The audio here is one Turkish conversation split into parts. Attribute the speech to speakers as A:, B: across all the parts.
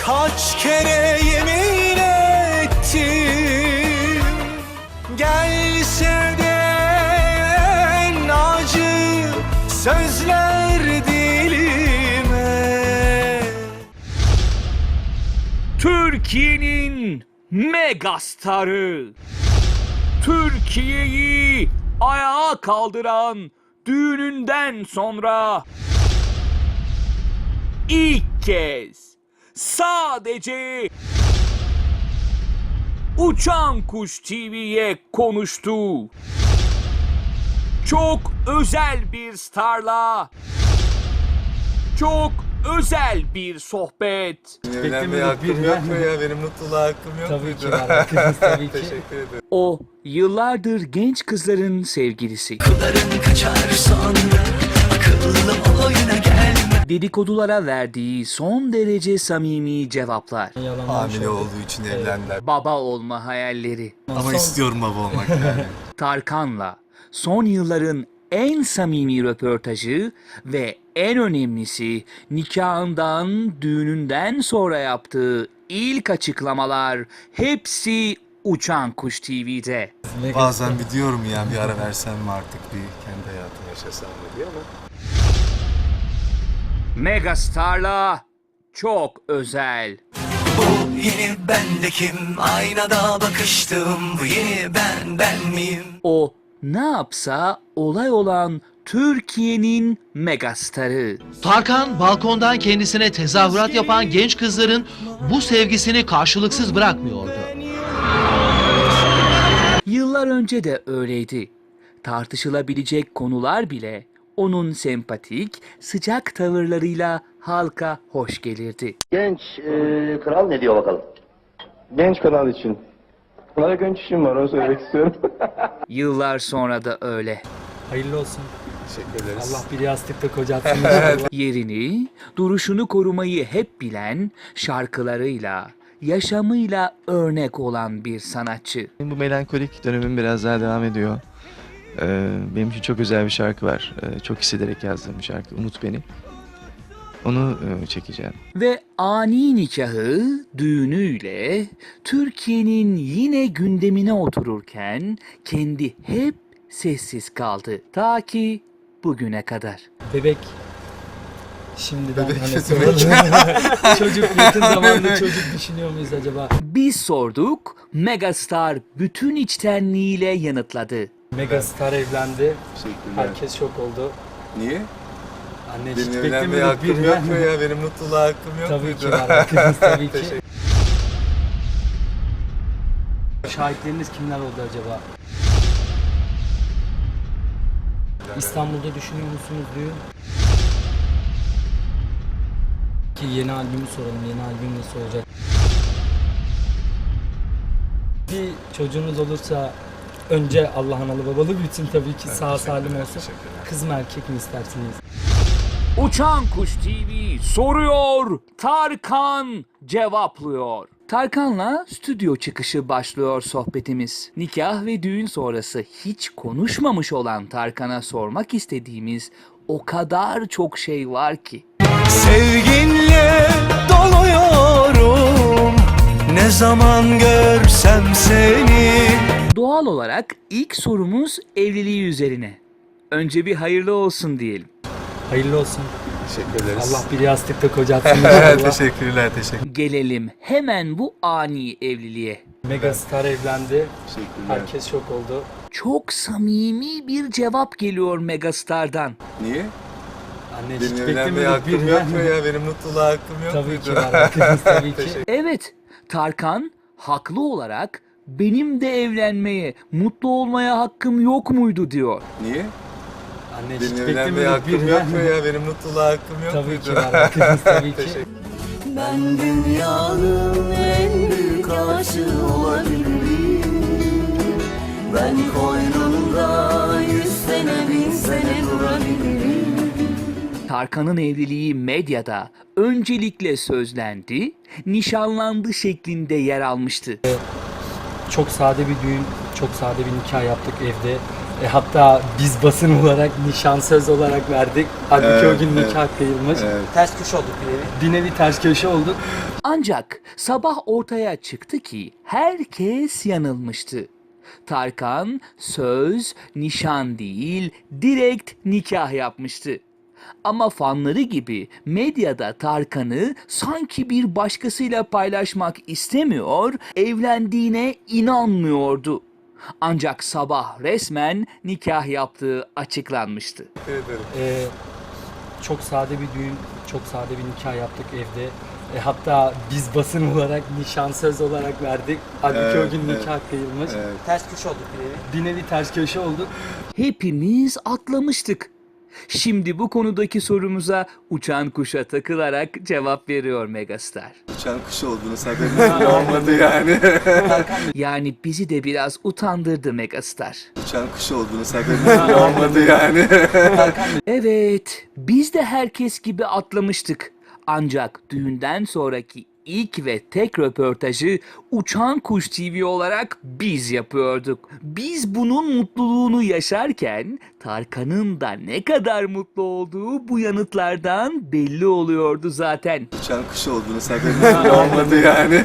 A: Kaç kere yemin ettim, gelse de en acı sözler dilime.
B: Türkiye'nin megastarı, Türkiye'yi ayağa kaldıran düğününden sonra ilk kez sadece Uçan Kuş TV'ye konuştu. Çok özel bir starla, çok özel bir sohbet.
C: Evlenmeye hakkım yok mu ya? Benim mutluluğa hakkım yok
D: Tabii
C: muydu?
D: ki var, hakkınız tabii ki.
C: Teşekkür ederim.
B: O yıllardır genç kızların sevgilisi.
A: Kaçar sonra akıllı oyuna gelme.
B: Dedikodulara verdiği son derece samimi cevaplar.
C: Hamile olduğu için evlendiler.
B: Baba olma hayalleri.
C: Ama istiyorum baba olmak yani.
B: Tarkan'la son yılların en samimi röportajı ve en önemlisi nikahından, düğününden sonra yaptığı ilk açıklamalar hepsi Uçan Kuş TV'de.
C: Bazen bir diyorum ya, bir ara versem mi artık, bir kendi hayatımı yaşasam mı diye ama.
B: Megastar'la çok özel.
A: Bu yeni bendekim, aynada bakıştım. Bu yeni ben miyim?
B: O ne yapsa olay olan Türkiye'nin megastarı.
E: Tarkan balkondan kendisine tezahürat yapan genç kızların bu sevgisini karşılıksız bırakmıyordu.
B: Yıllar önce de öyleydi. Tartışılabilecek konular bile onun sempatik, sıcak tavırlarıyla halka hoş gelirdi.
F: Genç kral ne diyor bakalım?
G: Genç kanal için. Bana genç işim var, onu söylemek istiyorum.
B: Yıllar sonra da öyle.
D: Hayırlı olsun.
C: Teşekkür ederiz.
D: Allah bir yastıkta kocatsın.
B: Yerini, duruşunu korumayı hep bilen, şarkılarıyla, yaşamıyla örnek olan bir sanatçı.
H: Bu melankolik dönemim biraz daha devam ediyor. Benim için çok özel bir şarkı var. Çok hissederek yazdığım bir şarkı. Unut Beni. Onu çekeceğim.
B: Ve ani nikahı, düğünüyle Türkiye'nin yine gündemine otururken kendi hep sessiz kaldı. Ta ki bugüne kadar.
D: Bebek. Şimdiden
C: Bebek
D: hani
C: ne
D: soralım. Çocuk yakın zamanda çocuk düşünüyor muyuz acaba?
B: Biz sorduk, Megastar bütün içtenliğiyle yanıtladı.
D: Megastar evlendi.
C: Teşekkürler.
D: Herkes şok oldu.
C: Niye?
D: Anne hiç
C: Benim evlenmeye
D: beklemiyorduk
C: hakkım
D: bir
C: yok mu ya? Benim mutluluğa hakkım yok
D: Tabii
C: muydu?
D: ki var, hakkınız tabii ki.
C: Teşekkür-
D: Şahitleriniz kimler oldu acaba? İstanbul'da düşünüyor musunuz düğün? Ki yeni albümü soralım. Yeni albüm nasıl olacak? Bir çocuğunuz olursa önce Allah analı babalı büyütsün tabii ki, sağ salim olsun.
C: Teşekkürler.
D: Kız mı erkek mi istersiniz?
B: Uçan Kuş TV soruyor, Tarkan cevaplıyor. Tarkan'la stüdyo çıkışı başlıyor sohbetimiz. Nikah ve düğün sonrası hiç konuşmamış olan Tarkan'a sormak istediğimiz o kadar çok şey var ki.
A: Sevginle doluyorum, ne zaman görsem seni.
B: Doğal olarak ilk sorumuz evliliği üzerine. Önce bir hayırlı olsun diyelim.
D: Hayırlı olsun.
C: Teşekkür ederiz.
D: Allah bir yastıkta kocatsın inşallah.
C: Teşekkürler, teşekkür.
B: Gelelim hemen bu ani evliliğe.
D: Megastar evlendi.
C: Teşekkürler.
D: Herkes şok oldu.
B: Çok samimi bir cevap geliyor Megastar'dan.
C: Niye?
D: Anne hiç
C: Benim evlenmeye
D: beklemiyorduk
C: hakkım
D: bir
C: yok mu ya? Benim mutluluğa hakkım yok
D: Tabii
C: muydu?
D: ki var, hakkınız tabii ki.
C: Teşekkür-
B: Evet, Tarkan haklı olarak benim de evlenmeye, mutlu olmaya hakkım yok muydu diyor.
C: Niye?
D: Anne hiç
C: Benim evlenmeye
D: beklemiyorduk
C: hakkım
D: bir
C: yok mu ya? Benim mutluluğa hakkım yok
D: Tabii
C: muydu?
D: ki var, hakkınız tabii ki.
C: Teşekkür-
A: Ben dünyanın en büyük aşığı olabilirim. Ben koynunda 100 sene 1000 sene durabilirim.
B: Tarkan'ın evliliği medyada öncelikle sözlendi, nişanlandı şeklinde yer almıştı.
D: Çok sade bir düğün, çok sade bir nikah yaptık evde. Hatta biz basın olarak nişan söz olarak verdik. Halbuki o gün
C: Evet,
D: nikah kıyılmış.
C: Evet.
D: Ters köşe olduk bir nevi. Bir nevi ters köşe olduk.
B: Ancak sabah ortaya çıktı ki herkes yanılmıştı. Tarkan söz, nişan değil, direkt nikah yapmıştı. Ama fanları gibi medyada Tarkan'ı sanki bir başkasıyla paylaşmak istemiyor, evlendiğine inanmıyordu. Ancak sabah resmen nikah yaptığı açıklanmıştı.
D: Çok sade bir düğün, çok sade bir nikah yaptık evde. Hatta biz basın olarak nişan söz olarak verdik. Halbuki o gün nikah kıyılmış.
C: Evet.
D: Ters köşe olduk bir nevi. Bir nevi ters köşe olduk.
B: Hepimiz atlamıştık. Şimdi bu konudaki sorumuza uçan kuşa takılarak cevap veriyor megastar.
C: Uçan kuş olduğunuz haberiniz olmadı yani.
B: Yani bizi de biraz utandırdı megastar.
C: Uçan kuş olduğunuz haberiniz olmadı yani.
B: Evet, biz de herkes gibi atlamıştık. Ancak düğünden sonraki ilk ve tek röportajı Uçan Kuş TV olarak biz yapıyorduk. Biz bunun mutluluğunu yaşarken Tarkan'ın da ne kadar mutlu olduğu bu yanıtlardan belli oluyordu zaten.
C: Uçan kuş olduğunuz haberiniz olmadı yani.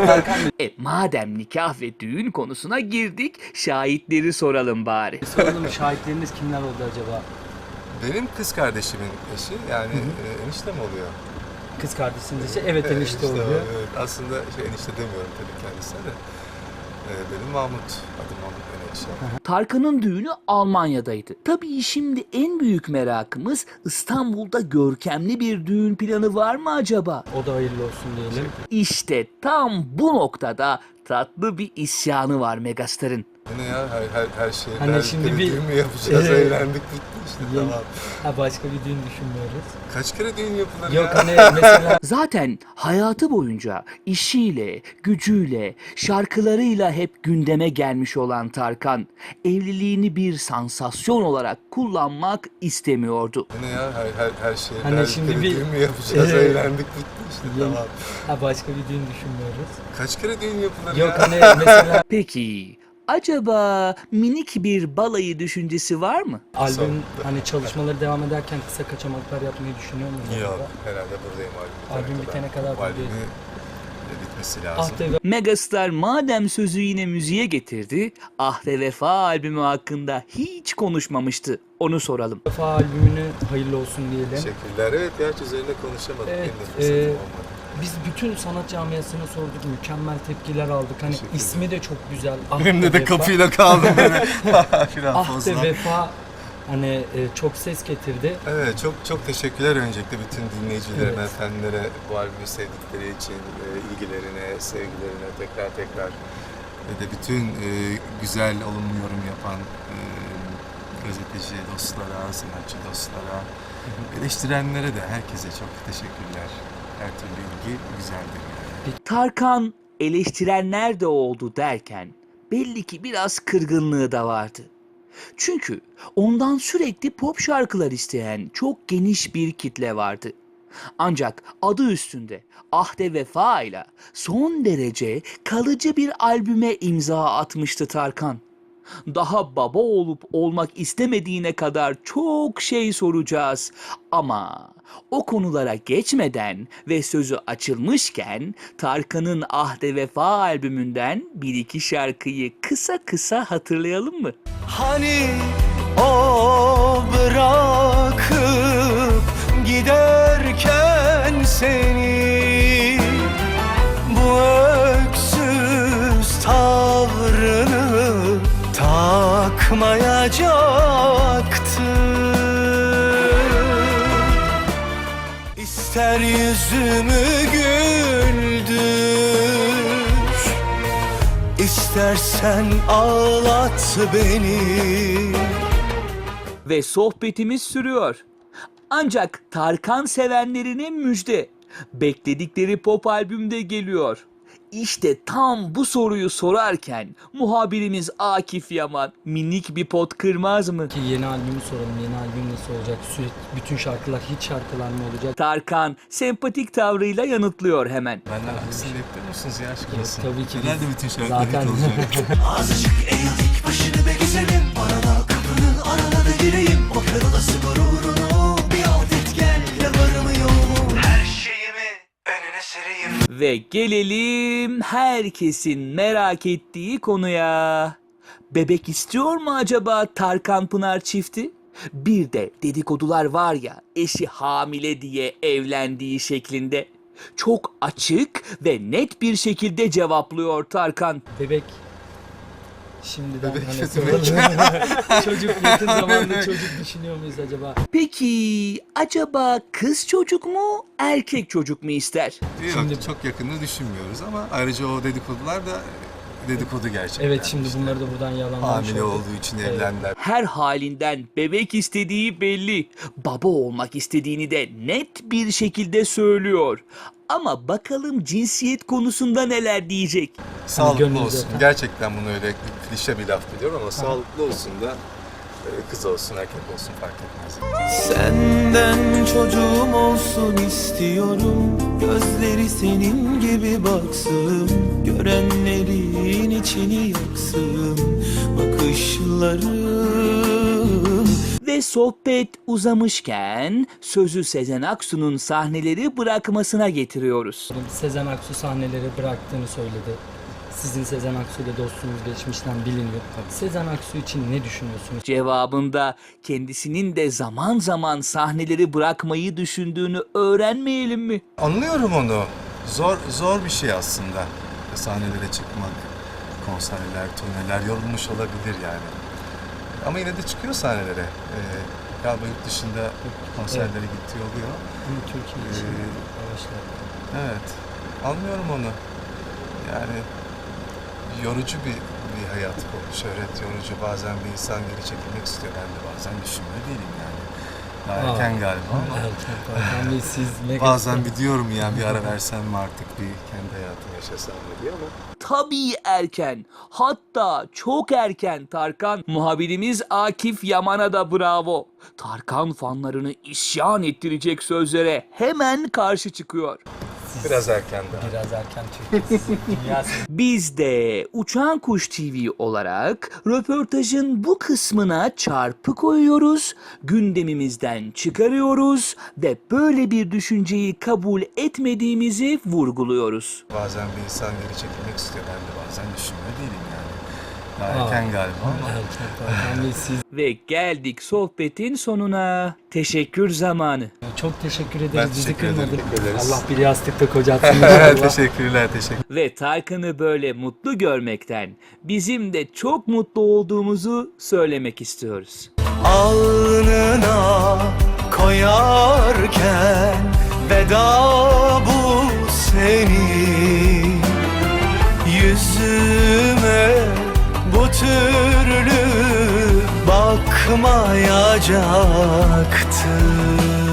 B: Madem nikah ve düğün konusuna girdik, şahitleri soralım bari.
D: Soralım, şahitleriniz kimler oldu acaba?
C: Benim kız kardeşimin eşi yani enişte mi oluyor?
D: Kız kardeşiniz eşi? Evet, enişte oluyor.
C: Evet. Aslında enişte demiyorum tabii kendisine de. Benim Mahmut, adım Mahmut Menekşe.
B: Tarkan'ın düğünü Almanya'daydı. Tabii şimdi en büyük merakımız İstanbul'da görkemli bir düğün planı var mı acaba?
D: O da hayırlı olsun diyelim.
B: İşte tam bu noktada tatlı bir isyanı var megastarın.
C: Bu ne ya her şey
D: Hani şimdi bir-
C: düğün mü yapacağız,
D: Evet.
C: evlendik bitti işte
D: Yeni-
C: tamam.
D: Başka bir düğün düşünmüyoruz.
C: Kaç kere düğün yapılır
D: Yok
C: ya?
D: hani mesela
B: Zaten hayatı boyunca işiyle, gücüyle, şarkılarıyla hep gündeme gelmiş olan Tarkan, evliliğini bir sansasyon olarak kullanmak istemiyordu.
C: Bu ne ya her şey
D: Hani şimdi
C: kere
D: bir-
C: düğün mü yapacağız,
D: Evet.
C: evlendik bitti işte
D: Yeni-
C: tamam.
D: başka bir düğün düşünmüyoruz.
C: Kaç kere düğün yapılır
D: Yok
C: ya?
D: hani mesela
B: Peki, acaba minik bir balayı düşüncesi var mı?
D: albüm hani çalışmaları devam ederken kısa kaçamaklar yapmayı düşünüyor musunuz?
C: Yok
D: acaba?
C: herhalde buradayım
D: Albüm bitene kadar
C: Bu albümü
D: buradayız.
C: bitmesi lazım.
D: Ah be,
B: Megastar madem sözü yine müziğe getirdi, Ah ve Vefa albümü hakkında hiç konuşmamıştı. Onu soralım.
D: Vefa albümünü hayırlı olsun diyelim.
C: Teşekkürler. Evet ya hiç üzerine konuşamadık.
D: Evet,
C: Benim de fırsatım olmadı.
D: Biz bütün sanat camiasına sorduk, mükemmel tepkiler aldık. Hani
C: Teşekkür
D: ismi de çok güzel. Ah
C: Benimle
D: be
C: de
D: Vefa.
C: kapıyla kaldım böyle. Biraz
D: Ah
C: fazla.
D: de Vefa hani çok ses getirdi.
C: Evet çok teşekkürler öncelikle bütün dinleyicilerime,
D: Evet.
C: efendilere bu albümü sevdikleri için, ilgilerine, sevgilerine tekrar ve de bütün güzel olumlu yorum yapan gazeteci dostlara, sanatçı dostlara, eleştirenlere de herkese çok teşekkürler. Her türlü ilgi güzeldir yani.
B: Tarkan eleştirenler de oldu derken belli ki biraz kırgınlığı da vardı. Çünkü ondan sürekli pop şarkılar isteyen çok geniş bir kitle vardı. Ancak adı üstünde Ahde Vefa ile son derece kalıcı bir albüme imza atmıştı Tarkan. Daha baba olup olmak istemediğine kadar çok şey soracağız. Ama o konulara geçmeden ve sözü açılmışken Tarkan'ın Ahde Vefa albümünden bir iki şarkıyı kısa hatırlayalım mı?
A: Hani o bırakıp giderken seni, bu öksüz tavrını takmayacaktı. İster yüzümü güldür, İstersen ağlat beni.
B: Ve sohbetimiz sürüyor. Ancak Tarkan sevenlerine müjde. Bekledikleri pop albümde geliyor. İşte tam bu soruyu sorarken muhabirimiz Akif Yaman minik bir pot kırmaz mı?
D: Ki yeni albümü soralım. Yeni albüm nasıl olacak? Sürekli bütün şarkılar, hiç şarkılar mı olacak?
B: Tarkan sempatik tavrıyla yanıtlıyor hemen.
C: Benden aksini bekliyor musunuz ya aşk olsun?
D: Tabii ki
C: Herhalde
D: biz
C: bütün şarkılar
D: zaten
C: hit olacak.
A: Azıcık eğildik başını be güzelim, bana da kapı
B: Ve gelelim herkesin merak ettiği konuya. Bebek istiyor mu acaba Tarkan Pınar çifti? Bir de dedikodular var ya, eşi hamile diye evlendiği şeklinde. Çok açık ve net bir şekilde cevaplıyor Tarkan.
D: Bebek şimdiden
C: Bebek
D: hani
C: ne
D: soralım. Çocuk yakın zamanda çocuk düşünüyor muyuz acaba?
B: Peki acaba kız çocuk mu, erkek çocuk mu ister?
C: Yok,
D: Şimdi-
C: çok yakını düşünmüyoruz ama ayrıca o dedikodular da dedikodu gerçekten.
D: Evet, şimdi
C: İşte
D: bunları da buradan yalanlamış
C: hamile
D: olduk.
C: olduğu için
D: Evet.
C: evlendiler.
B: Her halinden bebek istediği belli. Baba olmak istediğini de net bir şekilde söylüyor. Ama bakalım cinsiyet konusunda neler diyecek.
C: Sağlıklı
D: gönlünüzde
C: olsun.
D: efendim.
C: Gerçekten bunu öyle klişe bir laf biliyorum ama sağlıklı olsun da kız olsun erkek olsun fark etmez.
A: Senden çocuğum olsun istiyorum. Gözleri senin gibi baksın, görenlerin içini yaksın bakışların.
B: Ve sohbet uzamışken sözü Sezen Aksu'nun sahneleri bırakmasına getiriyoruz.
D: Sezen Aksu sahneleri bıraktığını söyledi. Sizin Sezen Aksu ile dostluğunuz geçmişten biliniyor. Sezen Aksu için ne düşünüyorsunuz?
B: Cevabında kendisinin de zaman zaman sahneleri bırakmayı düşündüğünü öğrenmeyelim mi?
C: Anlıyorum onu. Zor bir şey aslında. Sahnelere çıkmak, konserler, turneler yorulmuş olabilir yani. Ama yine de çıkıyor sahnelere. Galiba yurt dışında konserlere gittiği oluyor.
D: Ama Türkiye için
C: Ee,
D: yavaşlar.
C: Evet. Anlıyorum onu. Yani yorucu bir hayat bu. Şöhret yorucu. Bazen bir insan geri çekilmek istiyor. Ben de bazen düşünmüyor değilim yani. Daha erken galiba ama
D: Erken Tarkan Bey, siz ne
C: bazen bir diyorum yani bir ara versem mi artık bir kendi hayatımı yaşasam mı diye ama
B: Tabii erken, hatta çok erken Tarkan. Muhabirimiz Akif Yaman'a da bravo. Tarkan fanlarını isyan ettirecek sözlere hemen karşı çıkıyor.
C: biraz erken daha.
D: Biraz erken Türkiye sizin dünya
B: Biz de Uçan Kuş TV olarak röportajın bu kısmına çarpı koyuyoruz, gündemimizden çıkarıyoruz ve böyle bir düşünceyi kabul etmediğimizi vurguluyoruz.
C: Bazen bir insan geri çekilmek istiyor. Ben de bazen düşünmüyor değilim yani. Daha erken galiba ama
D: Erken Tarkan Bey, siz
B: Ve geldik sohbetin sonuna. Teşekkür zamanı.
D: çok teşekkür ederiz.
C: Ben
D: Bizi
C: teşekkür ederim.
D: kırmadın.
C: Teşekkür ederiz.
D: Allah bir yastıkta kocatsın inşallah.
C: teşekkürler.
B: Ve Tarkan'ı böyle mutlu görmekten bizim de çok mutlu olduğumuzu söylemek istiyoruz.
A: Alnına koyarken veda bu senin, yüzüme bu türlü bakmayacaktın.